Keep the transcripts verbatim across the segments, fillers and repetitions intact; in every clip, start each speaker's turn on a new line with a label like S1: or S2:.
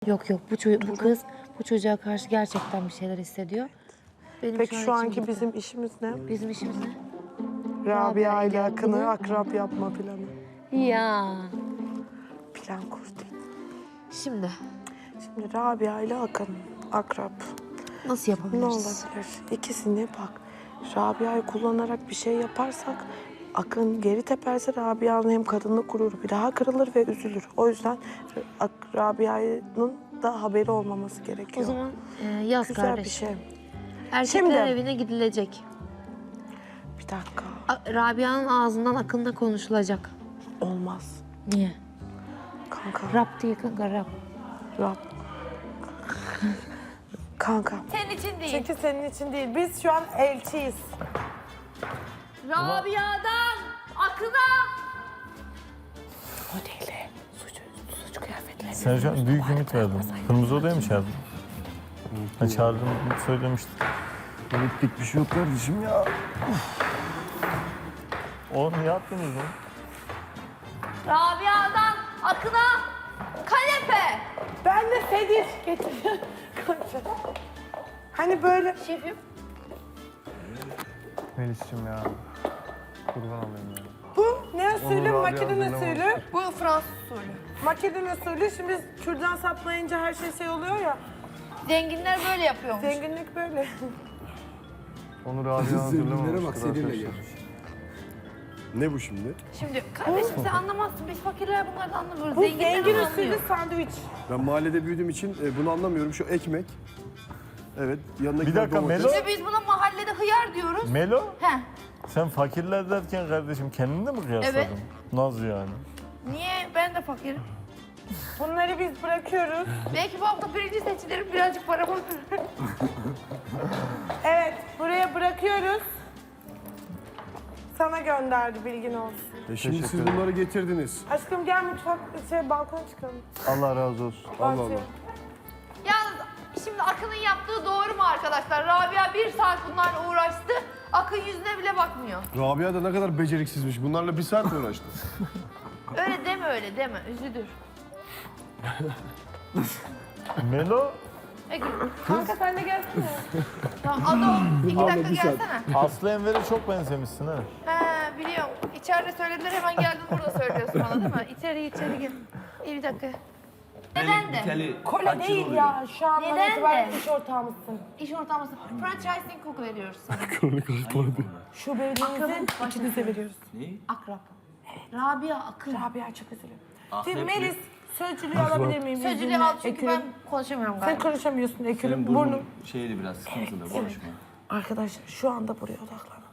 S1: Yok yok bu, ço- bu kız bu çocuğa karşı gerçekten bir şeyler hissediyor. Benim
S2: Peki şu
S1: an içim
S2: anki
S1: gitti.
S2: bizim işimiz ne?
S1: Bizim işimiz ne?
S2: Rabia ile
S1: ile
S2: Akın'ı
S1: Akın'ı-
S2: akrap yapma planı.
S1: Ya.
S2: Plan kurduk.
S1: Şimdi
S2: Şimdi Rabia ile Akın akrap.
S1: nasıl
S2: Ne
S1: yapabiliriz?
S2: olabilir? İkisini bak. Rabia'yı kullanarak bir şey yaparsak Akın geri teperse Rabia'nın hem kadınlık gururu bir daha kırılır ve üzülür. O yüzden Ak- Rabia'nın da haberi olmaması gerekiyor.
S1: O zaman e, yaz
S2: Güzel
S1: kardeş.
S2: bir şey.
S1: Erkekler
S2: Şimdi-
S1: evine gidilecek.
S2: Bir dakika.
S1: A- Rabia'nın ağzından Akın'la konuşulacak.
S2: Olmaz.
S1: Niye?
S2: Kanka.
S1: Rap değil kanka rap.
S2: Rab. Kanka.
S3: Senin için değil.
S2: Çünkü senin için değil. Biz şu an elçiyiz.
S3: Rabia'dan Akın'a.
S2: Modeli. Suç, suç kıyafetleri.
S4: Sen şu an büyük ümit verdin. Kırmızı odaya mı çağırdın? Ha, çağırdım söylemiştin.
S5: Ümitlik bir şey yok kardeşim ya.
S4: Oğlum ne yaptınız lan?
S3: Rabia'dan Akın'a kanepe.
S2: Ben de sedir getir. Hani böyle
S3: Şefim.
S5: Melis'cim ya. Kurban olayım ya.
S2: bu ne usulü?
S5: Onu Rabia
S2: Makedon
S5: hazırlamamış.
S2: usulü.
S3: Bu Fransız usulü.
S2: Makedon usulü. Şimdi biz kürdan saplayınca her şey şey oluyor ya.
S3: Zenginler böyle yapıyormuş.
S2: Zenginlik böyle.
S5: Onu Rabia
S6: Zenginlere
S5: hazırlamamıştır
S6: bak, seninle
S5: arkadaşlar.
S6: gel. Ne bu şimdi?
S3: Şimdi kardeşim sen anlamazsın. Biz fakirler bunlardan anlamıyoruz.
S2: Bu
S3: Zenginler
S2: zengin
S3: onu
S2: usulü
S3: anlıyor.
S2: sandviç.
S6: Ben mahallede büyüdüğüm için e, bunu anlamıyorum. Şu ekmek. Evet, yanındaki
S4: Bir dakika,
S6: domates.
S4: Melo.
S3: İşte biz buna mahallede hıyar diyoruz.
S4: Melo,
S3: He.
S4: sen fakirler derken kardeşim kendini de mi kıyasladın?
S3: Evet.
S4: Nasıl yani?
S3: Niye? Ben de fakirim.
S2: Bunları biz bırakıyoruz.
S3: Belki bu hafta birinci seçilirim. Birazcık para olur.
S2: Evet, buraya bırakıyoruz. Sana gönderdi, bilgin olsun.
S6: E şimdi
S5: Teşekkür
S6: siz
S5: ederim.
S6: bunları getirdiniz.
S2: Aşkım gel mutfak, şey, balkona çıkalım.
S5: Allah razı olsun.
S6: Allah
S2: Bahçeye.
S6: Allah.
S3: Yalnız şimdi Akın'ın yaptığı doğru mu arkadaşlar? Rabia bir saat bunlarla uğraştı. Akın yüzüne bile bakmıyor.
S6: Rabia da ne kadar beceriksizmiş. Bunlarla bir saat uğraştı.
S3: Öyle deme öyle deme. Üzülür.
S4: Melo,
S3: Peki.
S2: Kanka sen de gelsene.
S3: Tamam Ado iki dakika gelsene.
S4: Aslı Enver'e çok benzemişsin ha.
S3: He biliyorum. İçeride söylediler hemen geldin burada söylüyorsun bana değil mi? İçeri içeri gel. İyi bir dakika. Neden de?
S2: Kola değil ya, şu an
S3: Neden
S2: bana itibaren
S3: de?
S2: iş ortağımızsın.
S3: İş ortağımızda franchising koku veriyoruz sana.
S2: Şu bebeğimizi ikinize veriyoruz.
S3: Akrap. Rabia Akın.
S2: Rabia çok üzülüyor. Şimdi Melis, sözcülüğü alabilir miyim?
S3: Sözcülüğü
S2: izninle?
S3: al çünkü ben
S2: Ekürüm.
S3: konuşamıyorum
S2: Sen
S3: galiba.
S2: konuşamıyorsun Ekürüm.
S7: Senin
S2: Burnum.
S7: burnun şeyli biraz sıkıntılı konuşma.
S2: Arkadaşlar şu anda buraya odaklanın.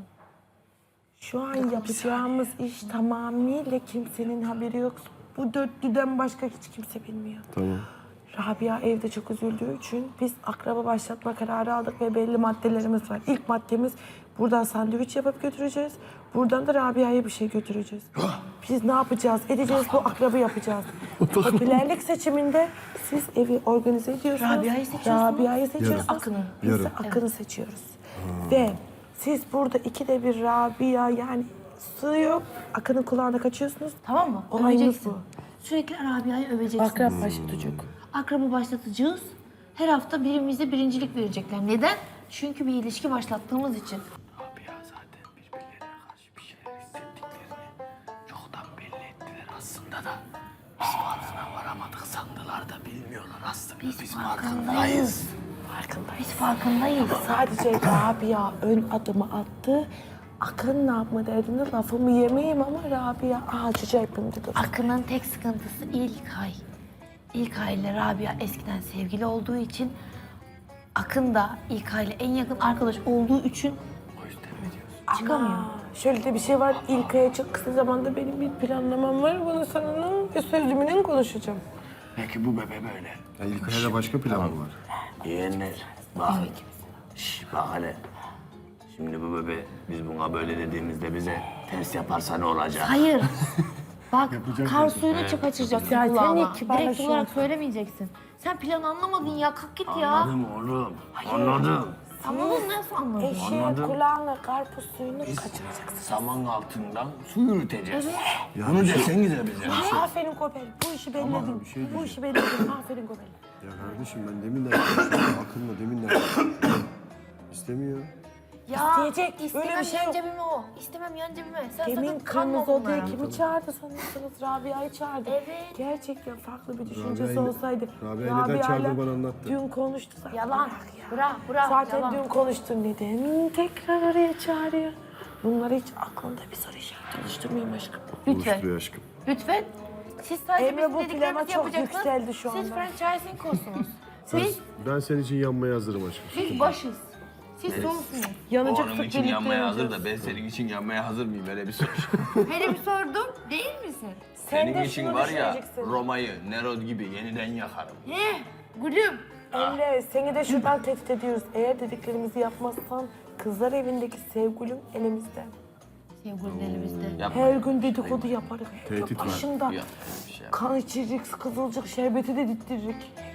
S2: Şu an yapacağımız iş tamamıyla kimsenin haberi yok. Bu dörtlüden başka hiç kimse bilmiyor.
S6: Tamam.
S2: Rabia evde çok üzüldüğü için biz akraba başlatma kararı aldık ve belli maddelerimiz var. İlk maddemiz buradan sandviç yapıp götüreceğiz. Buradan da Rabia'ya bir şey götüreceğiz. Biz ne yapacağız? Edeceğiz bu akrabı yapacağız. Popülerlik seçiminde siz evi organize ediyorsunuz.
S1: Rabia'yı seçiyorsunuz.
S2: Rabia'yı seçiyorsunuz.
S6: Yarın.
S1: Akın'ı.
S2: Biz de
S6: Yarın.
S2: Akın'ı seçiyoruz. Ve siz burada ikide bir Rabia yani sığıyor. Akın'ın kulağına kaçıyorsunuz.
S1: Tamam mı?
S2: Olayımız
S1: Öveceksin.
S2: bu.
S1: Sürekli Rabia'yı öveceksin.
S2: Akrap başlatacak.
S1: Akrabı başlatacağız. Her hafta birimize birincilik verecekler. Neden? Çünkü bir ilişki başlattığımız için.
S8: Rabia zaten birbirlerine karşı bir şeyler hissettiklerini çoktan belli ettiler aslında da. Biz farkına varamadık sandılar da bilmiyorlar aslında. Biz, biz farkındayız.
S1: Biz farkındayız.
S2: Sadece Rabia ön adımı attı. Akın ne yapma derdinde lafımı yemeyeyim ama Rabia ağacıca yapın dedi.
S1: Akın'ın tek sıkıntısı İlkay. İlkay ile Rabia eskiden sevgili olduğu için Akın da İlkay ile en yakın arkadaş olduğu için çıkamıyor.
S2: Aa, şöyle de bir şey var. İlkay'a çok kısa zamanda benim bir planlamam var. Bunu seninle ve sözümle konuşacağım.
S8: Peki bu bebe böyle.
S6: Ya İlkay'la başka plan mı var?
S8: Yeğenler bak. Şş, bak hele. Şimdi bu bebe biz buna böyle dediğimizde bize ters yaparsa ne olacak?
S1: Hayır. Bak kar suyunu kaçıracaksın
S2: Ya sen
S1: kulağına.
S2: niye
S1: Direkt
S2: kibarlaşıyorsun?
S1: olarak söylemeyeceksin. Sen planı anlamadın ya. Kalk git ya.
S8: Anladım oğlum. Anladım.
S1: Anladın nasıl anladın?
S2: Eşeğin
S8: Anladım.
S2: kulağına karpuz suyunu kaçıracaksın.
S8: Saman altından su yürüteceğiz. Bunu desen gider bize.
S2: Aferin Kopel. Bu işi belledim. Bu işi belledim. Aferin Kopel.
S6: Ya kardeşim ben deminden konuşuyorum. Akın'la deminden konuşuyorum. İstemiyor.
S1: Ya
S2: İsteyecek,
S1: istemem
S2: böyle bir şey
S1: yan
S2: yok.
S1: cebime o. İstemem yan cebime. Sen
S2: Demin
S1: sakın kanma
S2: kırmızı odaya
S1: bunlara.
S2: kimi çağırdı sanırsınız? Rabia'yı çağırdı.
S1: Evet.
S2: Gerçekten farklı bir düşüncesi
S6: Rabia'yı-
S2: olsaydı.
S6: Rabia'yı neden
S2: Rabia'yla
S6: çağırdı bana anlattı.
S2: Dün konuştu zaten.
S1: Yalan.
S2: Bırak ya.
S1: Bırak bırak.
S2: Zaten
S1: yalan.
S2: dün konuştun neden tekrar oraya çağırıyor? Bunları hiç aklında bir soru işareti oluşturmayayım aşkım.
S1: Lütfen.
S6: Oluşturuyor aşkım.
S1: Lütfen. Siz sadece
S2: Emre,
S1: bizim
S2: bu
S1: dediklerimizi
S2: plama çok
S1: yapacaksınız.
S2: yükseldi şu
S1: Siz
S2: anda.
S1: franchising olsunuz. Biz,
S6: Ben senin için yanmaya hazırım aşkım.
S1: biz başız. Siz sonsunuz.
S7: O
S2: Yanacaksak
S7: onun için
S2: birlikte
S7: yanmaya hazır
S2: yanacağız.
S7: da ben senin için yanmaya hazır mıyım? Öyle bir soru.
S3: Hele bir sordum. Değil misin?
S2: Sen
S7: Senin
S2: de
S7: için
S2: şunu
S7: var ya
S2: düşüneceksin.
S7: Roma'yı, Nerod gibi yeniden yakarım.
S3: He, gülüm.
S2: Emre seni de şuradan tehdit ediyoruz. Eğer dediklerimizi yapmazsan kızlar evindeki sevgilim elimizde.
S1: Sevgilinin elimizde.
S7: Yapma.
S2: Her gün dedikodu yaparız.
S6: Tehdit var.
S2: Başında
S7: Yapma bir şey.
S2: kan içiririz, kızılcık şerbeti de dittiririk.